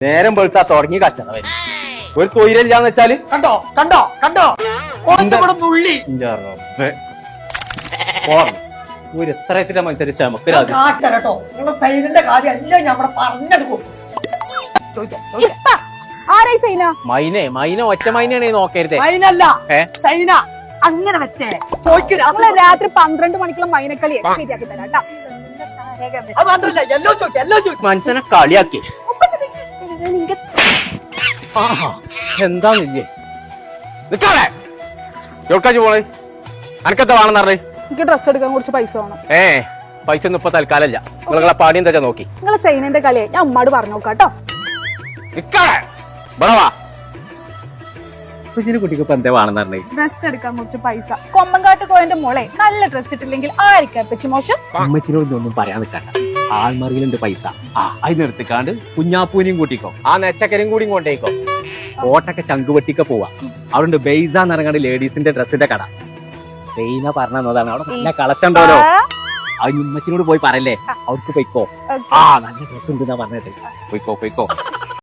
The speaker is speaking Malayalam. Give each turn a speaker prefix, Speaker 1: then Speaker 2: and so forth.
Speaker 1: നേരം വെളുത്താ തുടങ്ങി കച്ചറ ഒരു തൊഴിലില്ലാന്ന് വെച്ചാല്
Speaker 2: കണ്ടോ കണ്ടോ കണ്ടോ നുള്ളി
Speaker 1: ഒരു എത്ര വെച്ചിട്ട് മനുഷ്യര്
Speaker 2: കേട്ടോ നിങ്ങളുടെ സൈനിന്റെ കാര്യം എല്ലാം ഞാൻ പറഞ്ഞെടുക്കും.
Speaker 1: മൈന ഒറ്റ മൈനയാണ് നോക്കരുത്.
Speaker 2: മൈനല്ല സൈന അങ്ങനെ വെച്ചേ
Speaker 3: രാത്രി 12 മണിക്കുള്ള മൈനക്കളി ശരിയാക്കി തരാം.
Speaker 1: മനുഷ്യനെ കളിയാക്കി എന്താന്നില്ലേ നിക്കാളെ എവിടേക്കാ പോണേ? അനക്കെന്താ വേണമെന്ന് പറഞ്ഞേ?
Speaker 3: എനിക്ക് ഡ്രസ് എടുക്കാൻ കുറച്ച് പൈസ വേണം.
Speaker 1: പൈസ ഒന്നും ഇപ്പൊ തൽക്കാലല്ല. നിങ്ങളെ പാടി എന്താ നോക്കി
Speaker 3: നിങ്ങളെ സൈനന്റെ കളിയെ ഞാൻ ഉമ്മാട് പറഞ്ഞു നോക്കാട്ടോ.
Speaker 1: കുട്ടിക്ക് ഇപ്പൊ എന്താ വേണമെന്ന് പറഞ്ഞേ?
Speaker 3: ഡ്രസ് എടുക്കാൻ കുറച്ച് പൈസ. കൊമ്പങ്കാട്ട് കോയന്റെ മോളെ നല്ല ഡ്രസ് ഇട്ടില്ലെങ്കിൽ ആയിരിക്കാം പറ്റി മോശം.
Speaker 1: അമ്മച്ചിനോടൊന്നും പറയാൻ നിൽക്കണ്ട. ആൾമറിയിലുണ്ട് പൈസ. അതിന് എടുത്തിക്കാണ്ട് കുഞ്ഞാപ്പൂനെയും കൂട്ടിക്കോ, ആ നെച്ചക്കരും കൂടി കൊണ്ടേക്കോ. കോട്ടൊക്കെ ചങ്കുവെട്ടിക്ക പോവാ. അവിടെ ബെയ്സാന്ന് ഇറങ്ങാണ്ട് ലേഡീസിന്റെ ഡ്രസ്സിന്റെ കട. സൈന പറഞ്ഞതാണ് അവിടെ നല്ല കളക്ഷൻ ഉണ്ടല്ലോ. അത് ഉമ്മച്ചിനോട് പോയി പറയല്ലേ, അവർക്ക് പൊയ്ക്കോ. നല്ല ഡ്രസ് ഉണ്ട് പറഞ്ഞിട്ട് പൊയ്ക്കോ.